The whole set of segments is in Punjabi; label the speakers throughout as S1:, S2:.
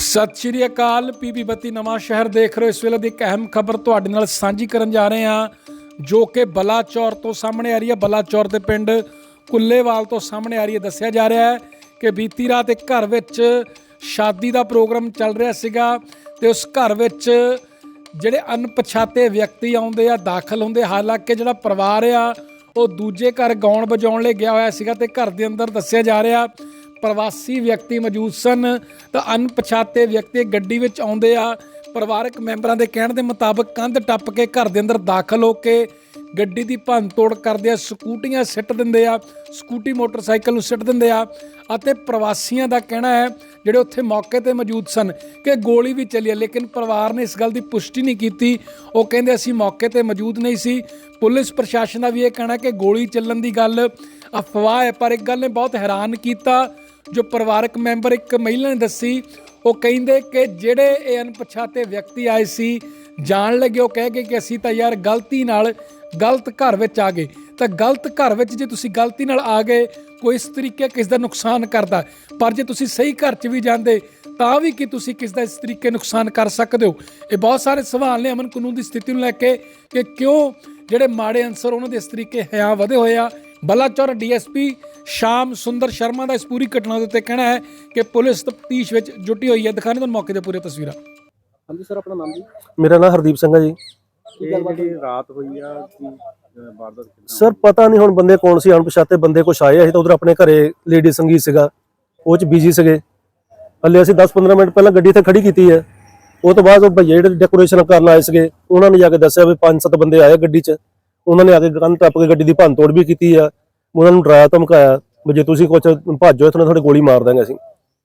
S1: ਸਤਿ ਸ਼੍ਰੀ ਅਕਾਲ। ਪੀਪੀ ਬੱਤੀ ਨਵਾਂ ਸ਼ਹਿਰ ਦੇਖ ਰਹੇ ਹੋ। ਇਸ ਵੇਲੇ ਦੀ ਇੱਕ ਅਹਿਮ ਖਬਰ ਤੁਹਾਡੇ ਨਾਲ ਸਾਂਝੀ ਕਰਨ ਜਾ ਰਹੇ ਹਾਂ, ਜੋ ਕਿ ਬਲਾਚੌਰ ਤੋਂ ਸਾਹਮਣੇ ਆ ਰਹੀ ਹੈ। ਬਲਾਚੌਰ ਦੇ ਪਿੰਡ ਕੁੱਲੇਵਾਲ ਤੋਂ ਸਾਹਮਣੇ ਆ ਰਹੀ ਹੈ। ਦੱਸਿਆ ਜਾ ਰਿਹਾ ਹੈ ਕਿ ਬੀਤੀ ਰਾਤ ਇੱਕ ਘਰ ਵਿੱਚ ਸ਼ਾਦੀ ਦਾ ਪ੍ਰੋਗਰਾਮ ਚੱਲ ਰਿਹਾ ਸੀਗਾ ਤੇ ਉਸ ਘਰ ਵਿੱਚ ਜਿਹੜੇ ਅਣਪਛਾਤੇ ਵਿਅਕਤੀ ਆਉਂਦੇ ਆ, ਦਾਖਲ ਹੁੰਦੇ। ਹਾਲਾਂਕਿ ਜਿਹੜਾ ਪਰਿਵਾਰ ਆ ਉਹ ਦੂਜੇ ਘਰ ਗਾਉਣ ਵਜਾਉਣ ਲਈ ਗਿਆ ਹੋਇਆ ਸੀਗਾ ਤੇ ਘਰ ਦੇ ਅੰਦਰ ਦੱਸਿਆ ਜਾ ਰਿਹਾ ਪ੍ਰਵਾਸੀ ਵਿਅਕਤੀ ਮੌਜੂਦ ਸਨ ਤਾਂ ਅਣਪਛਾਤੇ ਵਿਅਕਤੀ ਗੱਡੀ ਵਿੱਚ ਆਉਂਦੇ ਆ। ਪਰਿਵਾਰਕ ਮੈਂਬਰਾਂ ਦੇ ਕਹਿਣ ਦੇ ਮੁਤਾਬਕ ਕੰਧ ਟੱਪ ਕੇ ਘਰ ਦੇ ਅੰਦਰ ਦਾਖਲ ਹੋ ਕੇ ਗੱਡੀ ਦੀ ਭੰਨ ਤੋੜ ਕਰਦੇ ਆ, ਸਕੂਟੀਆਂ ਸਿੱਟ ਦਿੰਦੇ ਆ, ਸਕੂਟੀ ਮੋਟਰਸਾਈਕਲ ਨੂੰ ਸਿੱਟ ਦਿੰਦੇ ਆ। ਅਤੇ ਪ੍ਰਵਾਸੀਆਂ ਦਾ ਕਹਿਣਾ ਹੈ ਜਿਹੜੇ ਉੱਥੇ ਮੌਕੇ ਤੇ ਮੌਜੂਦ ਸਨ ਕਿ ਗੋਲੀ ਵੀ ਚੱਲੀ ਹੈ, ਲੇਕਿਨ ਪਰਿਵਾਰ ਨੇ ਇਸ ਗੱਲ ਦੀ ਪੁਸ਼ਟੀ ਨਹੀਂ ਕੀਤੀ। ਉਹ ਕਹਿੰਦੇ ਅਸੀਂ ਮੌਕੇ ਤੇ ਮੌਜੂਦ ਨਹੀਂ ਸੀ। ਪੁਲਿਸ ਪ੍ਰਸ਼ਾਸਨ ਦਾ ਵੀ ਇਹ ਕਹਿਣਾ ਕਿ ਗੋਲੀ ਚੱਲਣ ਦੀ ਗੱਲ ਅਫਵਾਹ ਹੈ। ਪਰ ਇੱਕ ਗੱਲ ਨੇ ਬਹੁਤ ਹੈਰਾਨ ਕੀਤਾ, ਜੋ ਪਰਿਵਾਰਕ ਮੈਂਬਰ ਇੱਕ ਮਹਿਲਾ ਨੇ ਦੱਸੀ। ਉਹ ਕਹਿੰਦੇ ਕਿ ਜਿਹੜੇ ਇਹ ਅਣਪਛਾਤੇ ਵਿਅਕਤੀ ਆਏ ਸੀ, ਜਾਣ ਲੱਗੇ ਉਹ ਕਹਿ ਗਏ ਕਿ ਅਸੀਂ ਤਾਂ ਯਾਰ ਗਲਤੀ ਨਾਲ ਗਲਤ ਘਰ ਵਿੱਚ ਆ ਗਏ। ਤਾਂ ਗਲਤ ਘਰ ਵਿੱਚ ਜੇ ਤੁਸੀਂ ਗਲਤੀ ਨਾਲ ਆ ਗਏ, ਕੋਈ ਇਸ ਤਰੀਕੇ ਕਿਸ ਦਾ ਨੁਕਸਾਨ ਕਰਦਾ, ਪਰ ਜੇ ਤੁਸੀਂ ਸਹੀ ਘਰ 'ਚ ਵੀ ਜਾਂਦੇ ਤਾਂ ਵੀ ਕਿ ਤੁਸੀਂ ਕਿਸ ਦਾ ਇਸ ਤਰੀਕੇ ਨੁਕਸਾਨ ਕਰ ਸਕਦੇ ਹੋ। ਇਹ ਬਹੁਤ ਸਾਰੇ ਸਵਾਲ ਨੇ ਅਮਨ ਕਾਨੂੰਨ ਦੀ ਸਥਿਤੀ ਨੂੰ ਲੈ ਕੇ ਕਿ ਕਿਉਂ ਜਿਹੜੇ ਮਾੜੇ ਅਨਸਰ ਉਹਨਾਂ ਦੇ ਇਸ ਤਰੀਕੇ ਹਿਆਂ ਵਧੇ ਹੋਏ ਆ। ਬਲਾਚੌਰ ਡੀਐਸਪੀ ਸ਼ਾਮ ਸੁੰਦਰ ਸ਼ਰਮਾ ਦਾ ਇਸ ਪੂਰੀ ਘਟਨਾ ਦੇ ਉੱਤੇ ਕਹਿਣਾ ਹੈ ਕਿ ਪੁਲਿਸ ਤਫਤੀਸ਼ ਵਿੱਚ ਜੁਟੀ ਹੋਈ ਹੈ। ਦਿਖਾਣੇ ਤੁਹਾਨੂੰ ਮੌਕੇ ਦੇ ਪੂਰੇ ਤਸਵੀਰਾਂ।
S2: ਹਾਂਜੀ ਸਰ, ਆਪਣਾ ਨਾਮ ਜੀ?
S3: ਮੇਰਾ ਨਾਮ ਹਰਦੀਪ ਸਿੰਘ ਹੈ ਜੀ।
S2: ਜਿਹੜੀ ਰਾਤ ਹੋਈ ਆ ਕੀ ਵਾਰਦਾਤ?
S3: ਸਰ ਪਤਾ ਨਹੀਂ ਹੁਣ ਬੰਦੇ ਕੌਣ ਸੀ, ਅਣਪਛਾਤੇ ਬੰਦੇ ਕੁਛ ਆਏ ਸੀ ਤਾਂ ਉਧਰ ਆਪਣੇ ਘਰੇ ਲੇਡੀ ਸੰਗੀਤ ਸੀਗਾ, ਉਹ ਚ ਬਿਜੀ ਸੀਗੇ। ਹਲੇ ਅਸੀਂ 10-15 ਮਿੰਟ ਪਹਿਲਾਂ ਗੱਡੀ ਇੱਥੇ ਖੜੀ ਕੀਤੀ ਹੈ। ਉਹ ਤੋਂ ਬਾਅਦ ਉਹ ਭਈਏ ਜਿਹੜੇ ਡੈਕੋਰੇਸ਼ਨ ਕਰਨ ਆਏ ਸੀਗੇ ਉਹਨਾਂ ਨੇ ਜਾ ਕੇ ਦੱਸਿਆ ਵੀ 5-7 ਬੰਦੇ ਆਏ ਗੱਡੀ 'ਚ। ਉਹਨਾਂ ਨੇ ਆ ਕੇ ਕੰਧ ਟੱਪ ਕੇ ਗੱਡੀ ਦੀ ਭੰਨ ਤੋੜ ਵੀ ਕੀਤੀ ਆ। ਉਹਨਾਂ ਨੂੰ ਡਰਾਇਆ ਧਮਕਾਇਆ ਵੀ ਜੇ ਤੁਸੀਂ ਕੁਛ ਭੱਜੋ ਇੱਥੋਂ ਤੁਹਾਡੇ ਗੋਲੀ ਮਾਰ ਦਾਂਗੇ ਅਸੀਂ।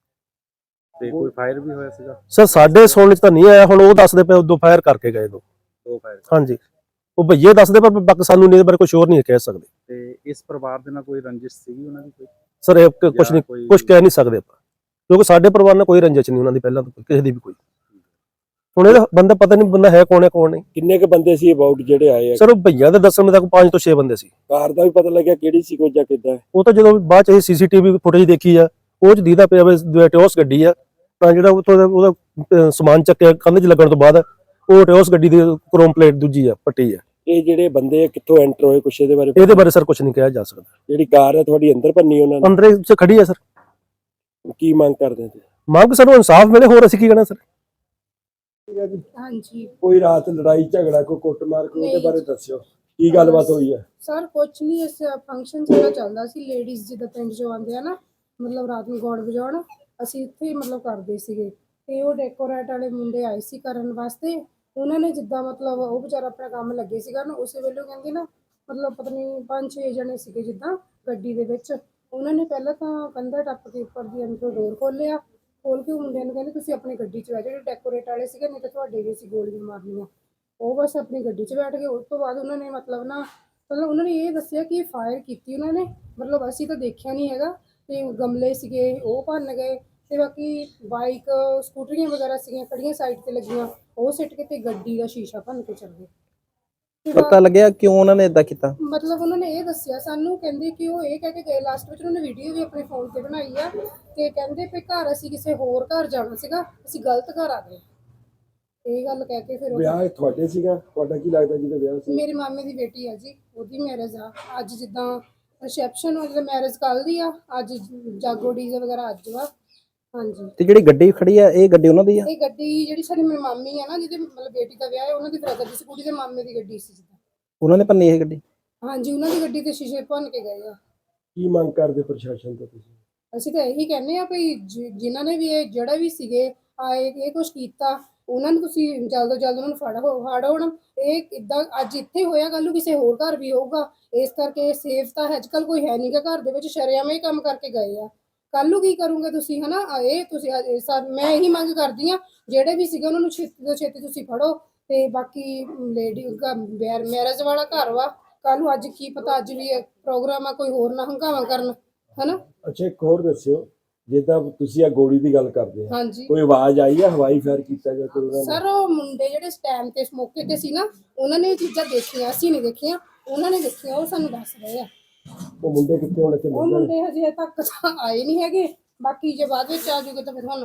S2: ਤੇ ਕੋਈ ਫਾਇਰ ਵੀ ਹੋਇਆ ਸੀਗਾ?
S3: ਸਰ ਸਾਡੇ ਸੁਣਨ 'ਚ ਤਾਂ ਨਹੀਂ ਆਇਆ, ਹੁਣ ਉਹ ਦੱਸਦੇ ਪਏ ਦੋ ਫਾਇਰ ਕਰਕੇ ਗਏ। ਦੋ
S2: ਫਾਇਰ? ਹਾਂਜੀ,
S3: ਉਹ ਭਈਏ ਦੱਸਦੇ ਪਰ ਬਾਕੀ ਸਾਨੂੰ ਨਹੀਂ ਬਾਰੇ ਕੁਝ ਹੋਰ ਨਹੀਂ ਕਹਿ ਸਕਦੇ।
S2: ਤੇ ਇਸ ਪਰਿਵਾਰ ਦੇ ਨਾਲ ਕੋਈ ਰੰਜਿਸ਼ ਸੀਗੀ ਉਹਨਾਂ ਦੀ? ਕੋਈ
S3: ਸਰ ਇਹ ਕੁਝ ਨਹੀਂ, ਕੁਝ ਕਹਿ ਨਹੀਂ ਸਕਦੇ ਆਪਾਂ, ਕਿਉਂਕਿ ਸਾਡੇ ਪਰਿਵਾਰ ਨਾਲ ਕੋਈ ਰੰਜਿਸ਼ ਨਹੀਂ ਉਹਨਾਂ ਦੀ ਪਹਿਲਾਂ ਤੋਂ ਕਿਸੇ ਦੀ ਵੀ ਕੋਈ। ਹੁਣ ਇਹਦਾ ਬੰਦਾ ਪਤਾ ਨਹੀਂ ਬੰਦਾ ਹੈ ਕੌਣ ਨਹੀਂ।
S4: ਕਿੰਨੇ ਕ ਬੰਦੇ ਸੀ ਅਬਾਊਟ ਜਿਹੜੇ ਆਏ ਆ?
S3: ਸਰ ਉਹ ਭਈਆ ਦੇ ਦੱਸਣ ਤੱਕ 5 ਤੋਂ 6 ਬੰਦੇ ਸੀ।
S4: ਕਾਰ ਦਾ ਵੀ ਪਤਾ ਲੱਗਿਆ ਕਿਹੜੀ ਸੀ ਕੋਈ ਜਾਂ ਕਿੱਦਾਂ?
S3: ਉਹ ਤਾਂ ਜਦੋਂ ਬਾਅਦ ਚ ਇਹ ਸੀਸੀਟੀਵੀ ਫੁਟੇਜ ਦੇਖੀ ਆ, ਉਹ ਚ ਦੀਦਾ ਪਿਆ ਵੀ ਟਿਓਸ ਗੱਡੀ ਆ। ਤਾਂ ਜਿਹੜਾ ਉਹਦਾ ਸਮਾਨ ਚੱਕਿਆ ਕੰਧ 'ਚ ਲੱਗਣ ਤੋਂ ਬਾਅਦ ਉਹ ਟਿਓਸ ਗੱਡੀ ਦੀ ਕ੍ਰੋਮ ਪਲੇਟ ਦੂਜੀ ਆ ਪੱਟੀ ਆ।
S4: ਇਹ ਜਿਹੜੇ ਬੰਦੇ ਕਿੱਥੋਂ ਐਂਟਰ ਹੋਏ ਕੁਛ ਇਹਦੇ
S3: ਬਾਰੇ ਸਰ ਕੁਝ ਨਹੀਂ ਕਿਹਾ ਜਾ ਸਕਦਾ।
S4: ਜਿਹੜੀ ਕਾਰ ਹੈ ਤੁਹਾਡੀ ਅੰਦਰ ਭੰਨੀ ਉਹਨਾਂ ਨੇ?
S3: ਅੰਦਰੇ ਚ ਖੜੀ ਆ ਸਰ।
S4: ਕੀ ਮੰਗ ਕਰਦੇ ਤੇ?
S3: ਮੰਗ ਸਾਨੂੰ ਇਨਸਾਫ ਮਿਲੇ, ਹੋਰ ਅਸੀਂ ਕੀ ਕਹਿਣਾ ਸਰ।
S5: ਹਾਂਜੀ,
S4: ਕੋਈ ਰਾਤ ਲੜਾਈ ਝਗੜਾ ਕੋਈ ਕੁੱਟਮਾਰ ਕੋਈ ਉਹਦੇ ਬਾਰੇ ਦੱਸਿਓ, ਕੀ ਗੱਲਬਾਤ ਹੋਈ ਹੈ?
S5: ਸਰ ਕੁਛ ਨਹੀਂ, ਇਸ ਫੰਕਸ਼ਨ ਸਾਡਾ ਚੱਲਦਾ ਸੀ। ਲੇਡੀਜ਼ ਜਿੱਦਾਂ ਪਿੰਡ 'ਚੋਂ ਆਉਂਦੇ ਆ ਨਾ, ਮਤਲਬ ਰਾਤ ਨੂੰ ਗਾਉਣ ਵਜਾਉਣ, ਅਸੀਂ ਇੱਥੇ ਹੀ ਮਤਲਬ ਕਰਦੇ ਸੀਗੇ। ਤੇ ਉਹ ਡੈਕੋਰੇਟ ਵਾਲੇ ਮੁੰਡੇ ਆਏ ਸੀ ਕਰਨ ਵਾਸਤੇ। ਉਹਨਾਂ ਨੇ ਜਿੱਦਾਂ ਮਤਲਬ ਉਹ ਵਿਚਾਰਾ ਆਪਣਾ ਕੰਮ ਲੱਗੇ ਸੀਗਾ ਨਾ, ਉਸੇ ਵੇਲੇ ਕਹਿੰਦੇ ਨਾ ਮਤਲਬ ਪਤਾ ਨਹੀਂ 5-6 ਜਣੇ ਸੀਗੇ ਜਿੱਦਾਂ ਗੱਡੀ ਦੇ ਵਿੱਚ। ਉਹਨਾਂ ਨੇ ਪਹਿਲਾਂ ਤਾਂ ਕੰਧਾ ਟੱਪ ਕੇ ਉੱਪਰ ਦੀ ਅੰਦਰੋਂ ਡੋਰ ਖੋਲ੍ਹਿਆ, ਖੋਲ ਕੇ ਮੁੰਡਿਆਂ ਨੂੰ ਕਹਿੰਦੇ ਤੁਸੀਂ ਆਪਣੀ ਗੱਡੀ 'ਚ ਬੈਠ। ਜਿਹੜੇ ਡੈਕੋਰੇਟ ਵਾਲੇ ਸੀਗੇ, ਨਹੀਂ ਤਾਂ ਤੁਹਾਡੇ ਵੀ ਸੀ ਗੋਲੀਆਂ ਮਾਰਨੀਆਂ। ਉਹ ਬਸ ਆਪਣੀ ਗੱਡੀ 'ਚ ਬੈਠ ਗਏ। ਉਸ ਤੋਂ ਬਾਅਦ ਉਹਨਾਂ ਨੇ ਮਤਲਬ ਉਹਨਾਂ ਨੇ ਇਹ ਦੱਸਿਆ ਕਿ ਫਾਇਰ ਕੀਤੀ ਉਹਨਾਂ ਨੇ, ਮਤਲਬ ਅਸੀਂ ਤਾਂ ਦੇਖਿਆ ਨਹੀਂ ਹੈਗਾ। ਤੇ ਗਮਲੇ ਸੀਗੇ ਉਹ ਭੰਨ ਗਏ, ਤੇ ਬਾਕੀ ਬਾਈਕ ਸਕੂਟਰੀਆਂ ਵਗੈਰਾ ਸੀਗੀਆਂ ਖੜੀਆਂ ਸਾਈਡ ਤੇ ਲੱਗੀਆਂ, ਉਹ ਸਿੱਟ ਕੇ ਤੇ ਗੱਡੀ ਦਾ ਸ਼ੀਸ਼ਾ ਭੰਨ ਕੇ ਚੱਲ ਗਏ।
S2: ਪਤਾ ਲੱਗਿਆ ਕਿਉਂ ਉਹਨਾਂ ਨੇ ਇਦਾਂ ਕੀਤਾ?
S5: ਮਤਲਬ ਉਹਨਾਂ ਨੇ ਇਹ ਦੱਸਿਆ ਸਾਨੂੰ, ਕਹਿੰਦੇ ਕਿ ਉਹ ਇਹ ਕਹਿ ਕੇ ਗਏ ਲਾਸਟ ਵਿੱਚ, ਉਹਨਾਂ ਨੇ ਵੀਡੀਓ ਵੀ ਆਪਣੇ ਫੋਨ ਤੇ ਬਣਾਈ ਆ, ਤੇ ਕਹਿੰਦੇ ਵੀ ਘਰ ਅਸੀਂ ਕਿਸੇ ਹੋਰ ਘਰ ਜਾਣਾ ਸੀਗਾ, ਅਸੀਂ ਗਲਤ ਘਰ ਆ ਗਏ। ਇਹ ਗੱਲ ਕਹਿ ਕੇ ਫਿਰ
S4: ਵਿਆਹ ਤੁਹਾਡੇ ਸੀਗਾ? ਤੁਹਾਡਾ ਕੀ ਲੱਗਦਾ ਜਿਹਦਾ ਵਿਆਹ ਸੀ?
S5: ਮੇਰੇ ਮਾਮੇ ਦੀ ਬੇਟੀ ਆ ਜੀ, ਉਹਦੀ ਮੈਰਿਜ ਆ ਅੱਜ। ਜਿੱਦਾਂ ਰਿਸੈਪਸ਼ਨ ਹੋ, ਜਦੋਂ ਮੈਰਿਜ ਕੱਲ੍ਹ ਦੀ ਆ, ਅੱਜ ਜਾਗੋ ਡੀਜੇ ਵਗੈਰਾ ਅੱਜ ਵਾ। ਹਾਂਜੀ।
S2: ਤੇ ਜਿਹੜੀ ਗੱਡੀ ਖੜੀ ਆ, ਇਹ ਗੱਡੀ ਉਹਨਾਂ ਦੀ ਆ?
S5: ਇਹ ਗੱਡੀ ਜਿਹੜੀ ਸਾਡੀ ਮੇਰੀ ਮਾਮੀ ਆ ਨਾ, ਜਿਹਦੇ ਮਤਲਬ ਬੇਟੀ ਦਾ ਵਿਆਹ ਹੈ, ਉਹਨਾਂ ਦੀ ਬ੍ਰਦਰ ਦੀ ਸਕੂਟੀ ਦੇ ਮਾਮੇ ਦੀ ਗੱਡੀ ਸੀ ਜਿੱਦਾਂ।
S2: ਉਹਨਾਂ ਨੇ ਭੰਨੀ ਇਹ ਗੱਡੀ?
S5: ਹਾਂਜੀ, ਉਹਨਾਂ ਦੀ ਗੱਡੀ ਤੇ ਸ਼ੀਸ਼ੇ ਭੰਨ ਕੇ ਗਏ ਆ।
S4: ਕੀ ਮੰਗ ਕਰਦੇ ਪ੍ਰਸ਼ਾਸਨ ਤੋਂ ਤੁਸੀਂ?
S5: ਅਸੀਂ ਤਾਂ ਇਹੀ ਕਹਿੰਦੇ ਆ ਵੀ ਜਿਨ੍ਹਾਂ ਨੇ ਵੀ ਇਹ ਜਿਹੜਾ ਵੀ ਸੀਗੇ ਆਏ ਇਹ ਕੁਛ ਕੀਤਾ, ਉਹਨਾਂ ਨੂੰ ਤੁਸੀਂ ਜਲਦ ਤੋਂ ਜਲਦ ਉਹਨਾਂ ਨੂੰ ਫੜੋ। ਹੁਣ ਇਹ ਇੱਦਾਂ ਅੱਜ ਇੱਥੇ ਹੋਇਆ, ਕੱਲ੍ਹ ਨੂੰ ਕਿਸੇ ਹੋਰ ਘਰ ਵੀ ਹੋਊਗਾ। ਇਸ ਕਰਕੇ ਸੇਫ ਤਾਂ ਅੱਜ ਕੱਲ੍ਹ ਕੋਈ ਹੈ ਨਹੀਂ ਗਾ ਘਰ ਦੇ ਵਿੱਚ, ਸ਼ਰੇਆਮ ਇਹ ਕੰਮ ਕਰਕੇ ਗਏ ਆ। ਕੱਲ੍ਹ ਨੂੰ ਕੀ ਕਰੋਗੇ ਤੁਸੀਂ, ਹੈ ਨਾ? ਇਹ ਤੁਸੀਂ ਮੈਂ ਇਹੀ ਮੰਗ ਕਰਦੀ ਹਾਂ, ਜਿਹੜੇ ਵੀ ਸੀਗੇ ਉਹਨਾਂ ਨੂੰ ਛੇਤੀ ਤੋਂ ਛੇਤੀ ਤੁਸੀਂ ਫੜੋ। ਤੇ ਬਾਕੀ ਲੇਡੀ ਮੈਰਿਜ ਵਾਲਾ ਘਰ ਵਾ, ਕੱਲ੍ਹ ਨੂੰ ਅੱਜ ਕੀ ਪਤਾ ਅੱਜ ਵੀ ਪ੍ਰੋਗਰਾਮ ਆ, ਕੋਈ ਹੋਰ ਨਾ ਹੰਗਾਵਾ ਕਰਨ, ਹੈ ਨਾ?
S4: ਅੱਛਾ, ਇੱਕ ਹੋਰ ਦੱਸਿਓ, ਜਿੱਦਾਂ ਤੁਸੀਂ ਆ ਗੋਲੀ ਦੀ ਗੱਲ ਕਰਦੇ ਆ,
S5: ਹਾਂਜੀ,
S4: ਕੋਈ ਆਵਾਜ਼ ਆਈ ਆ ਹਵਾਈ ਫਾਇਰ ਕੀਤਾ ਗਿਆ ਕੋਈ?
S5: ਸਰ ਉਹ ਮੁੰਡੇ ਜਿਹੜੇ ਸਟੈਂਡ ਤੇ ਮੌਕੇ ਤੇ ਸੀ ਨਾ, ਉਹਨਾਂ ਨੇ ਇਹ ਚੀਜ਼ਾਂ ਦੇਖੀਆਂ, ਅਸੀਂ ਨਹੀਂ ਦੇਖੀਆਂ, ਉਹਨਾਂ ਨੇ ਦੇਖੀਆਂ, ਉਹ ਸਾਨੂੰ ਦੱਸ ਰਹੇ ਆ।
S4: ਉਹ ਮੁੰਡੇ ਕਿੱਥੇ ਹੁਣ ਇੱਥੇ?
S5: ਉਹ ਮੁੰਡੇ ਹਜੇ ਤੱਕ ਤਾਂ ਆਏ ਨਹੀਂ ਹੈਗੇ, ਬਾਕੀ ਜੇ ਬਾਅਦ ਵਿੱਚ ਆ ਜੂਗੇ ਤਾਂ ਫਿਰ ਹੁਣ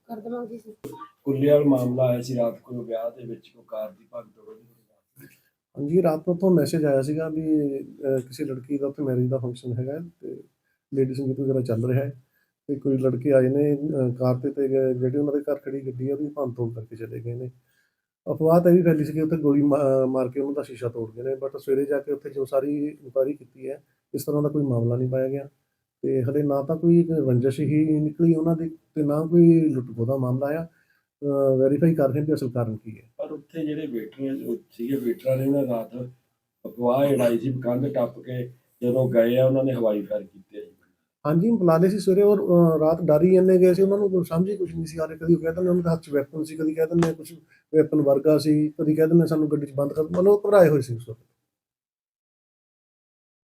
S5: ਕਰ ਦੇਵਾਂਗੇ ਜੀ।
S4: ਕੁੱਲੇਵਾਲ ਮਾਮਲਾ ਆਇਆ ਸੀ ਰਾਤ ਕੋਈ ਵਿਆਹ ਦੇ ਵਿੱਚ ਕੋਈ ਕਾਰ ਦੀ ਭਗਦੜ ਹੋਈ।
S3: ਹਾਂਜੀ, ਰਾਤ ਨੂੰ ਤੋਂ ਮੈਸੇਜ ਆਇਆ ਸੀਗਾ ਵੀ ਕਿਸੇ ਲੜਕੀ ਦਾ ਉੱਥੇ ਮੈਰਿਜ ਦਾ ਫੰਕਸ਼ਨ ਹੈਗਾ ਤੇ ਲੇਡੀ ਸੰਗੀਤ ਵਗੈਰਾ ਚੱਲ ਰਿਹਾ ਹੈ ਤੇ ਕੋਈ ਲੜਕੇ ਆਏ ਨੇ ਕਾਰ ਤੇ ਜਿਹੜੀ ਉਹਨਾਂ ਦੇ ਘਰ ਖੜੀ ਗੱਡੀ ਆ ਉਹਦੀ ਭੰਨ ਤੋੜ ਕਰਕੇ ਚਲੇ ਗਏ ਨੇ। ਅਫਵਾਹ ਤਾਂ ਇਹ ਵੀ ਫੈਲੀ ਸੀ ਕਿ ਉੱਥੇ ਗੋਲੀ ਮਾਰ ਕੇ ਉਹਨਾਂ ਦਾ ਸ਼ੀਸ਼ਾ ਤੋੜ ਗਏ ਨੇ, ਬਟ ਸਵੇਰੇ ਜਾ ਕੇ ਉੱਥੇ ਜੋ ਸਾਰੀ ਇਨਕੁਆਇਰੀ ਕੀਤੀ ਹੈ ਇਸ ਤਰ੍ਹਾਂ ਦਾ ਕੋਈ ਮਾਮਲਾ ਨਹੀਂ ਪਾਇਆ ਗਿਆ ਤੇ ਹਲੇ ਨਾ ਤਾਂ ਕੋਈ ਰੰਜਿਸ਼ ਹੀ ਨਿਕਲੀ ਉਹਨਾਂ ਦੀ ਤੇ ਨਾ ਕੋਈ ਲੁੱਟ-ਖੋਹ ਦਾ ਮਾਮਲਾ ਆ। ਵੈਰੀਫਾਈ ਕਰ ਰਹੇ ਕਿ ਅਸਲ ਕਾਰਨ ਕੀ ਹੈ।
S4: ਪਰ ਉੱਥੇ ਜਿਹੜੇ ਵੇਟਰਾਂ ਸੀਗੇ ਵੇਟਰਾਂ ਨੇ ਉਹਨਾਂ ਰਾਤ ਅਫਵਾਹ ਉਡਾਈ ਸੀ ਕੰਧ ਟੱਪ ਕੇ ਜਦੋਂ ਗਏ ਆ ਉਹਨਾਂ ਨੇ ਹਵਾਈ ਫਾਇਰ ਕੀਤੇ।
S3: ਹਾਂਜੀ, ਬੁਲਾ ਲਏ ਸੀ ਸਵੇਰੇ ਔਰ ਰਾਤ ਡਰ ਹੀ ਇੰਨੇ ਗਏ ਸੀ, ਉਹਨਾਂ ਨੂੰ ਸਮਝ ਹੀ ਕੁਝ ਨਹੀਂ ਸੀ ਆ ਰਿਹਾ। ਕਦੀ ਉਹ ਕਹਿ ਦਿੰਦੇ ਉਹਨਾਂ ਦੇ ਹੱਥ 'ਚ ਵੈਪਨ ਸੀ, ਕਦੀ ਕਹਿ ਦਿੰਦੇ ਕੁਝ ਵੈਪਨ ਵਰਗਾ ਸੀ, ਕਦੀ ਕਹਿ ਦਿੰਦੇ ਸਾਨੂੰ ਗੱਡੀ 'ਚ ਬੰਦ ਕਰ, ਮਤਲਬ ਘਬਰਾਏ ਹੋਏ ਸੀ ਉਸ ਵਕਤ।